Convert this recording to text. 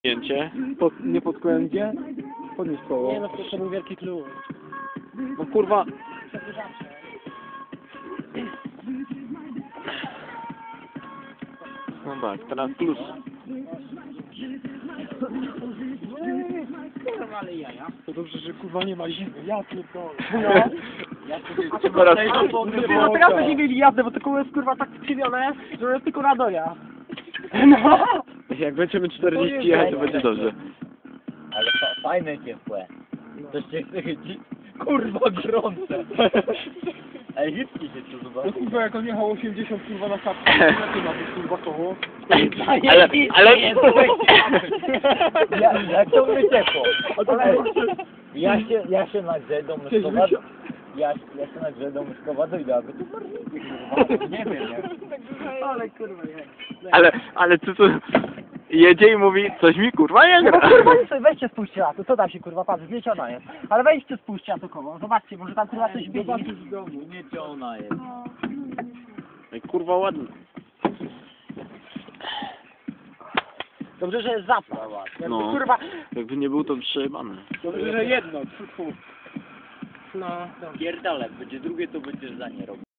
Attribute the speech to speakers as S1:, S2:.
S1: Zdjęcie.
S2: Nie pod kłędzie? Podnieś koło.
S3: Nie no, to był wielki klucz.
S1: No kurwa. No tak, teraz plus.
S3: Ale jaja.
S2: To dobrze, że kurwa nie ma zimy. Ja pierdolę.
S1: Teraz...
S3: No teraz będziemy mieli jazdę, bo to koło jest kurwa tak skrzywione, że jest tylko na doja. No.
S1: Jak będziemy 40 jechać, to będzie dobrze.
S4: Ale fajne ciepłe. Coś się chce chycić? Kurwa gorące. Ej, hitki się tu
S2: No
S4: zobaczy.
S2: kurwa jak on jechał 80 kurwa na kapce, to ma być kurwa koło.
S1: Ale...
S4: Jak to mnie ciepło? Ja się nagrzeję do myszkowa. Ja się nagrzeję do myszkowa, dojdę, aby tu kurwa. Nie wiem, nie.
S3: Ale kurwa nie.
S1: Ale ty tu... Jedzie i mówi, coś mi kurwa nie
S3: No
S1: gra.
S3: kurwa, weźcie spójrzcie na to, co tam się kurwa patrzy, wiecie ona jest. Ale weźcie spójrzcie na to koło, zobaczcie, może tam kurwa coś biegnie.
S4: Zobaczysz w domu, nie czy ona jest.
S1: Ej, kurwa ładnie.
S3: Dobrze, że jest zapłat.
S1: No.
S3: Kurwa,
S1: Jakby nie był to przejebane.
S2: Dobrze, że jedno.
S3: no,
S4: Pierdolę, będzie drugie, to będziesz za nie robił.